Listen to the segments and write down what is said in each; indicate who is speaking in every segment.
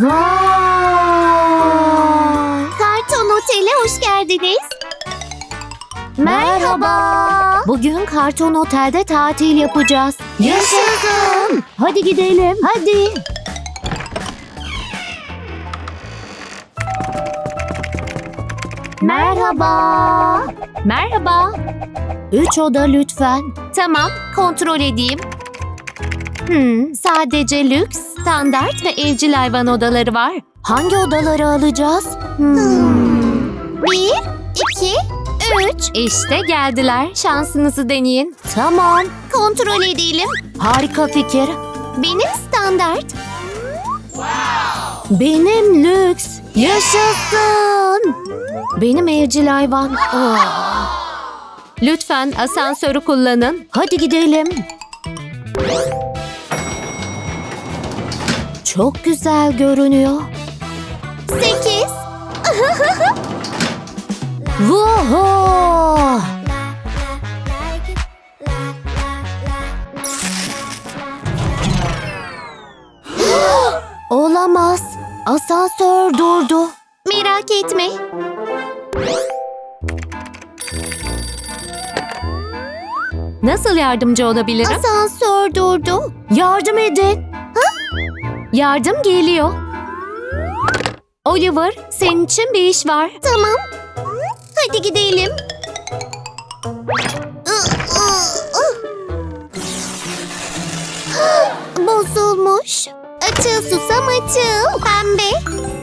Speaker 1: Vay!
Speaker 2: Karton Otel'e hoş geldiniz.
Speaker 1: Merhaba. Bugün Karton Otel'de tatil yapacağız.
Speaker 2: Yaşasın.
Speaker 1: Hadi gidelim. Hadi. Merhaba. Merhaba. 3 oda lütfen.
Speaker 2: Tamam, kontrol edeyim.
Speaker 1: Sadece lüks, standart ve evcil hayvan odaları var. Hangi odaları alacağız?
Speaker 2: 1, 2, 3.
Speaker 1: İşte geldiler. Şansınızı deneyin. Tamam.
Speaker 2: Kontrol edelim.
Speaker 1: Harika fikir.
Speaker 2: Benim standart.
Speaker 1: Benim lüks. Yaşasın. Benim evcil hayvan. Lütfen asansörü kullanın. Hadi gidelim. Çok güzel görünüyor.
Speaker 2: 8.
Speaker 1: Vuhu! Olamaz. Asansör durdu.
Speaker 2: Merak etme.
Speaker 1: Nasıl yardımcı olabilirim?
Speaker 2: Asansör durdu.
Speaker 1: Yardım edin. Yardım geliyor. Oliver, senin için bir iş var.
Speaker 2: Tamam. Hadi gidelim. Bozulmuş. Açıl susam açıl. Pembe.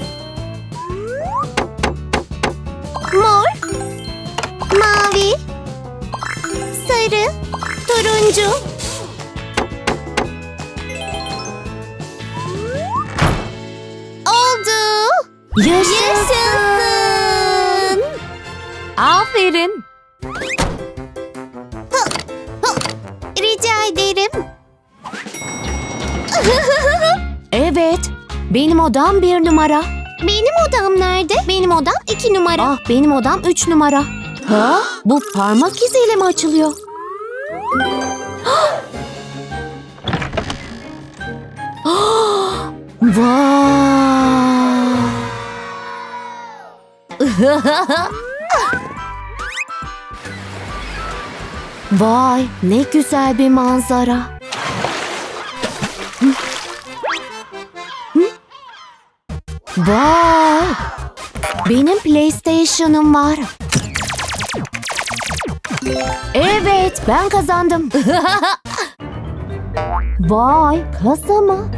Speaker 2: Mor. Mavi. Sarı. Turuncu. Oldu. Yaşasın.
Speaker 1: Aferin.
Speaker 2: Rica ederim.
Speaker 1: Evet, benim odam 1 numara.
Speaker 2: Benim odam nerede? Benim odam 2 numara.
Speaker 1: Ah, benim odam 3 numara. Ha? Bu parmak iziyle mi açılıyor? Vay! Vay, ne güzel bir manzara. Vay! Benim PlayStation'ım var. Evet, ben kazandım. Vay, kasa mı?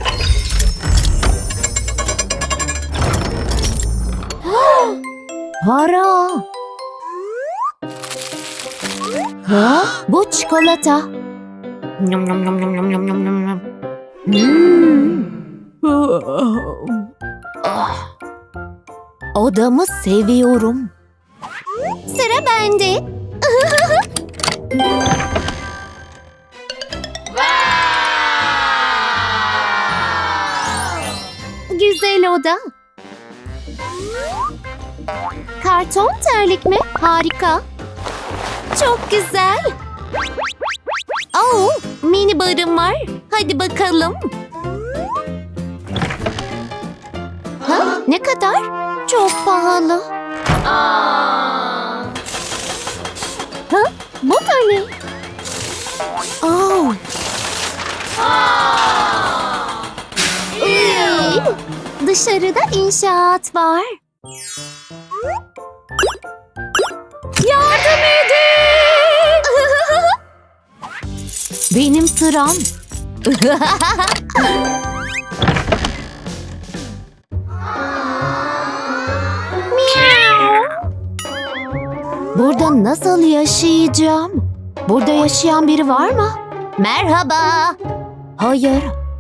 Speaker 1: Para. Ha? Bu çikolata.
Speaker 2: Nom nom nom nom nom nom nom nom nom.
Speaker 1: Odamı seviyorum.
Speaker 2: Sıra bende. Güzel oda. Karton terlik mi? Harika. Çok güzel. Oh, mini barım var. Hadi bakalım. Ha, ne kadar? Çok pahalı. Ha, bu da ne? Oh. Iy, dışarıda inşaat var. Yardım edin!
Speaker 1: Benim sıram.
Speaker 2: Miau.
Speaker 1: Burada nasıl yaşayacağım? Burada yaşayan biri var mı?
Speaker 2: Merhaba.
Speaker 1: Hayır.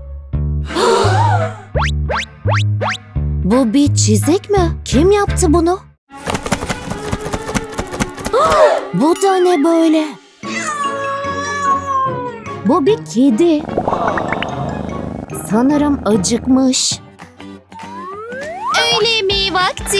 Speaker 1: Bu bir çizik mi? Kim yaptı bunu? Bu da ne böyle? Bu bir kedi. Sanırım acıkmış.
Speaker 2: Öğle yemeği vakti.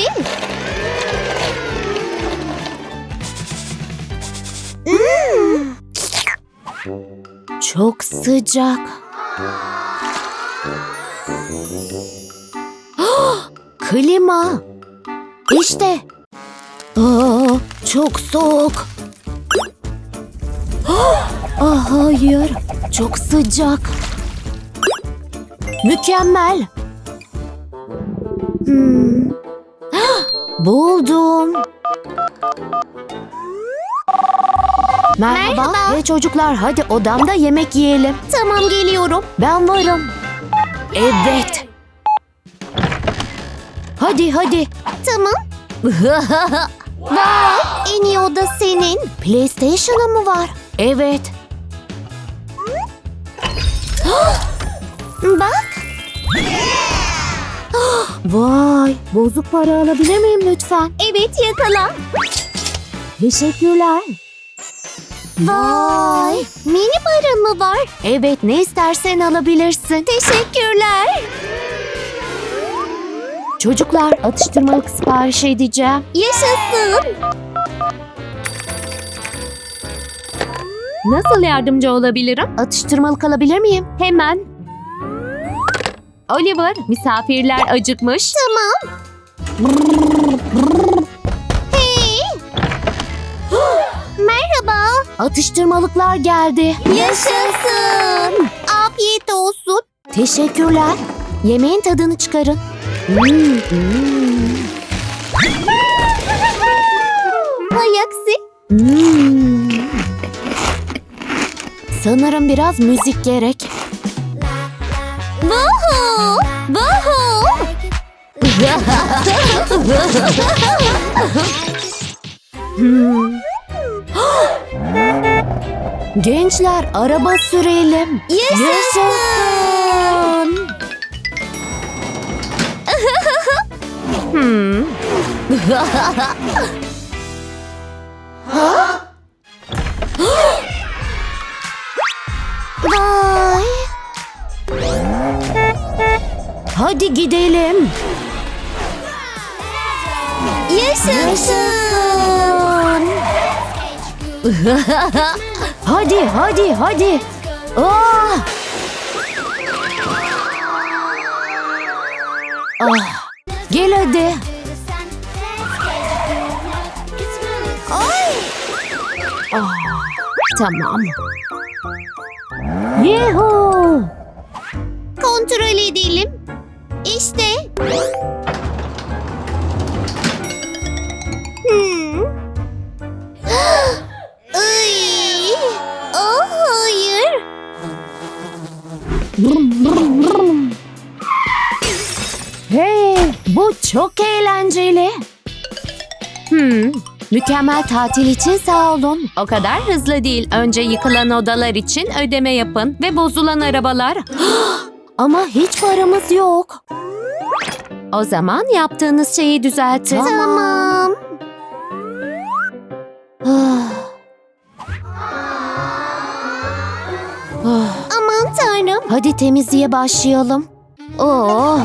Speaker 1: Çok sıcak. Klima. İşte. Aa, çok soğuk. Ah, hayır. Çok sıcak. Mükemmel. Buldum. Merhaba.
Speaker 2: Merhaba.
Speaker 1: Hey çocuklar, hadi odamda yemek yiyelim.
Speaker 2: Tamam, geliyorum.
Speaker 1: Ben varım. Evet. Hadi hadi.
Speaker 2: Tamam. Vay, en iyi oda senin.
Speaker 1: PlayStation'ın mı var? Evet.
Speaker 2: Bak,
Speaker 1: Vay, bozuk para alabilir miyim lütfen?
Speaker 2: evet, yakala.
Speaker 1: Teşekkürler.
Speaker 2: Vay, mini barın mı var?
Speaker 1: Evet, ne istersen alabilirsin.
Speaker 2: Teşekkürler.
Speaker 1: Çocuklar, atıştırmalık sipariş edeceğim.
Speaker 2: Yaşasın.
Speaker 1: Nasıl yardımcı olabilirim? Atıştırmalık alabilir miyim? Hemen. Oliver, misafirler acıkmış.
Speaker 2: Tamam. Hey. Merhaba.
Speaker 1: Atıştırmalıklar geldi.
Speaker 2: Yaşasın. Afiyet olsun.
Speaker 1: Teşekkürler. Yemeğin tadını çıkarın.
Speaker 2: Hay aksi.
Speaker 1: Sanırım biraz müzik gerek.
Speaker 2: Vuhu. Vuhu.
Speaker 1: Gençler, araba sürelim.
Speaker 2: Yaşasın. Vay.
Speaker 1: Hadi gidelim.
Speaker 2: Yaşasın.
Speaker 1: Hadi, hadi, hadi. Ah! Ah, gel hadi.
Speaker 2: Ay.
Speaker 1: Tamam. Yuhu!
Speaker 2: Kontrol edelim. İşte. Ay. Oh, hayır.
Speaker 1: Hey, bu çok eğlenceli. Mükemmel tatil için sağ olun. O kadar hızlı değil. Önce yıkılan odalar için ödeme yapın ve bozulan arabalar. Ama hiç paramız yok. O zaman yaptığınız şeyi düzeltin.
Speaker 2: Tamam.
Speaker 1: Ah. Ah.
Speaker 2: Aman tanrım.
Speaker 1: Hadi temizliğe başlayalım. Oh.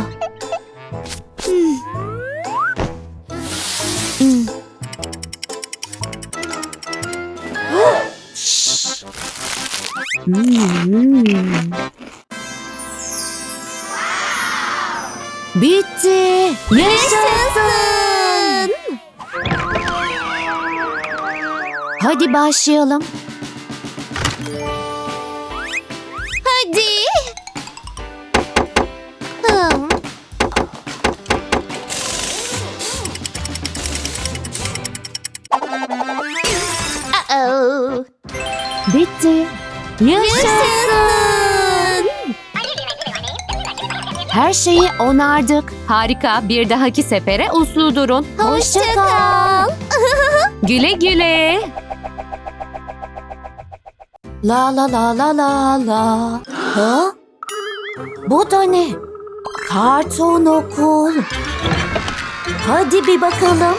Speaker 1: Şşş. Bitti.
Speaker 2: Yaşasın.
Speaker 1: Hadi başlayalım.
Speaker 2: Hadi. Uh-oh.
Speaker 1: Bitti.
Speaker 2: Yaşasın.
Speaker 1: Her şeyi onardık. Harika. Bir dahaki sefere uslu durun.
Speaker 2: Hoşça kal.
Speaker 1: Güle güle. La la la la la la. Ha? Bu da ne? Karton okul. Hadi bir bakalım.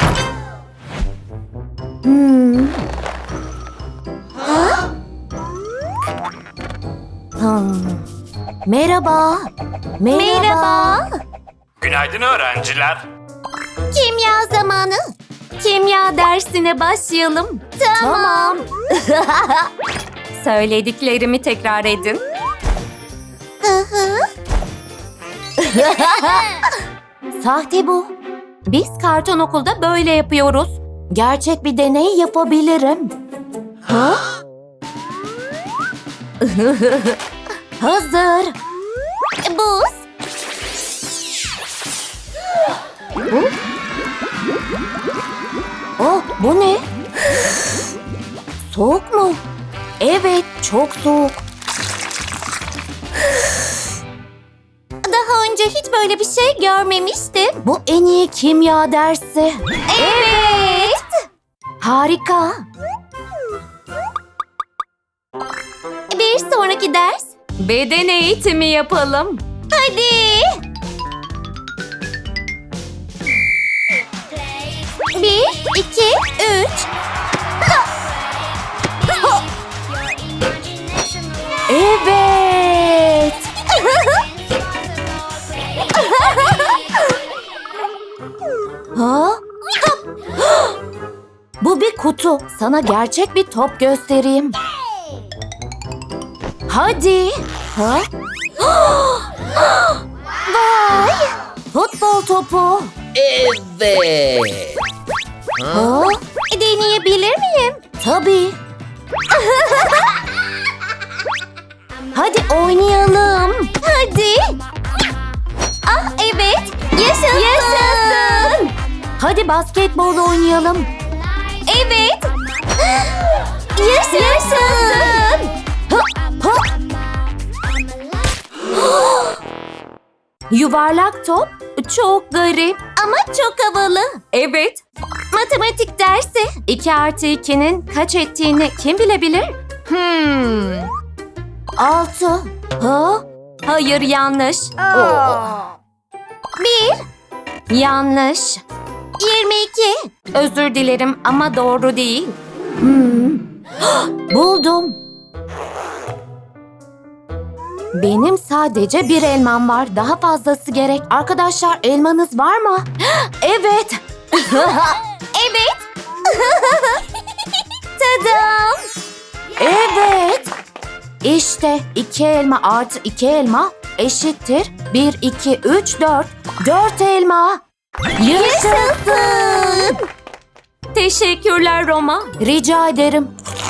Speaker 1: Merhaba.
Speaker 2: Merhaba.
Speaker 3: Günaydın öğrenciler.
Speaker 2: Kimya zamanı.
Speaker 1: Kimya dersine başlayalım.
Speaker 2: Tamam.
Speaker 1: Söylediklerimi tekrar edin. Sahte bu. Biz karton okulda böyle yapıyoruz. Gerçek bir deney yapabilirim. Ha? Hazır.
Speaker 2: Buz.
Speaker 1: Oh, bu ne? Soğuk mu? Evet, çok soğuk.
Speaker 2: Daha önce hiç böyle bir şey görmemiştim.
Speaker 1: Bu en iyi kimya dersi.
Speaker 2: Evet.
Speaker 1: Harika.
Speaker 2: Bir sonraki ders.
Speaker 1: Beden eğitimi yapalım.
Speaker 2: Hadi. 1, 2, 3.
Speaker 1: Evet. Ha? Bu bir kutu. Sana gerçek bir top göstereyim. Hadi. Ha? Vay! Futbol topu.
Speaker 4: Evet.
Speaker 1: Ha?
Speaker 2: Deneyebilir miyim?
Speaker 1: Tabii. Hadi oynayalım.
Speaker 2: Hadi. Ah evet. Yaşasın.
Speaker 1: Yaşasın. Hadi basketbol oynayalım.
Speaker 2: Evet. Yaşasın.
Speaker 1: Ha, ha. Yuvarlak top çok garip.
Speaker 2: Ama çok havalı.
Speaker 1: Evet.
Speaker 2: Matematik dersi.
Speaker 1: 2 artı 2'nin kaç ettiğini kim bilebilir? 6. Ha? Hayır, yanlış.
Speaker 2: 1,
Speaker 1: Yanlış.
Speaker 2: 22.
Speaker 1: Özür dilerim ama doğru değil. Buldum. Benim sadece bir elmam var. Daha fazlası gerek. Arkadaşlar, elmanız var mı? Evet.
Speaker 2: Evet. Tadam.
Speaker 1: Evet. İşte 2 elma artı 2 elma eşittir 1, 2, 3, 4. 4 elma.
Speaker 2: Yaşasın.
Speaker 1: Teşekkürler Roma. Rica ederim.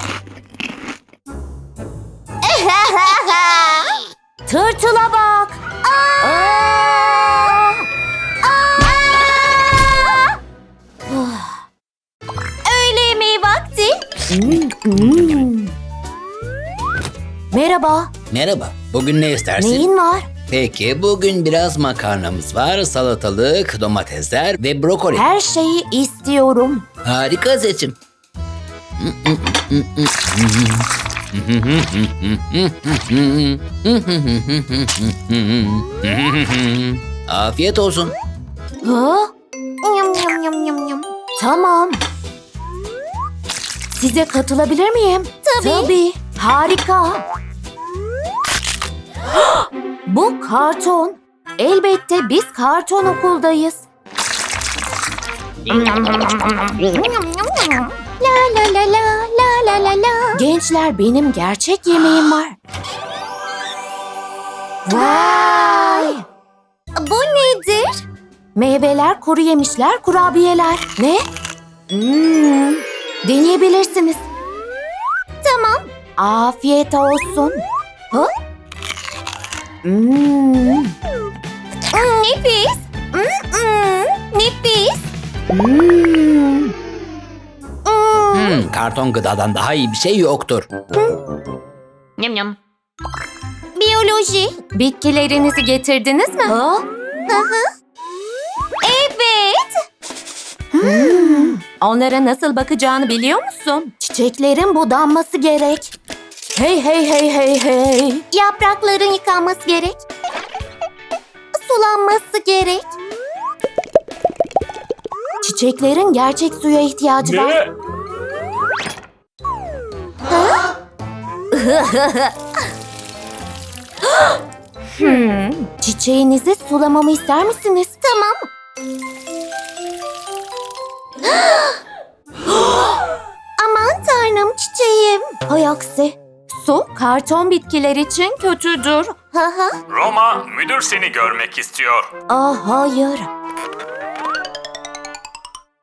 Speaker 1: Tırtıla bak. Aa!
Speaker 2: Öğle yemeği vakti.
Speaker 1: Merhaba.
Speaker 4: Merhaba. Bugün ne istersin?
Speaker 1: Neyin var?
Speaker 4: Peki bugün biraz makarnamız var, salatalık, domatesler ve brokoli.
Speaker 1: Her şeyi istiyorum.
Speaker 4: Harika seçim. Afiyet olsun.
Speaker 1: Ha?
Speaker 2: Yum yum yum yum yum.
Speaker 1: Tamam. Size katılabilir miyim?
Speaker 2: Tabii.
Speaker 1: Harika. Bu karton. Elbette biz karton okuldayız.
Speaker 2: Yum yum yum. La la la la la la la la.
Speaker 1: Gençler, benim gerçek yemeğim var. Vay!
Speaker 2: Bu nedir?
Speaker 1: Meyveler, kuru yemişler, kurabiyeler. Ne? Deneyebilirsiniz.
Speaker 2: Tamam.
Speaker 1: Afiyet olsun. Ha?
Speaker 2: Nefis. Nefis.
Speaker 4: Karton gıdadan daha iyi bir şey yoktur.
Speaker 1: Yum yum.
Speaker 2: Biyoloji.
Speaker 1: Bitkilerinizi getirdiniz mi? Ha?
Speaker 2: Evet.
Speaker 1: Onlara nasıl bakacağını biliyor musun? Çiçeklerin budanması gerek. Hey hey hey hey hey.
Speaker 2: Yaprakların yıkanması gerek. Sulanması gerek.
Speaker 1: Çiçeklerin gerçek suya ihtiyacı var. Çiçeğinizi sulamamı ister misiniz?
Speaker 2: Tamam. Aman tanrım çiçeğim.
Speaker 1: Hay aksi. Su karton bitkiler için kötüdür.
Speaker 2: Haha.
Speaker 3: Roma, müdür seni görmek istiyor.
Speaker 1: Ah hayır.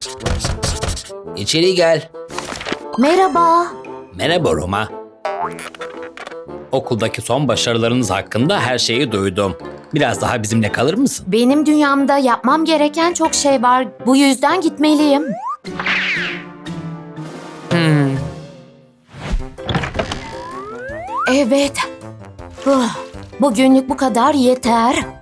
Speaker 4: İçeri gel.
Speaker 1: Merhaba.
Speaker 4: Merhaba Roma. Okuldaki son başarılarınız hakkında her şeyi duydum. Biraz daha bizimle kalır mısın?
Speaker 1: Benim dünyamda yapmam gereken çok şey var. Bu yüzden gitmeliyim. Evet. Bugünlük bu kadar yeter.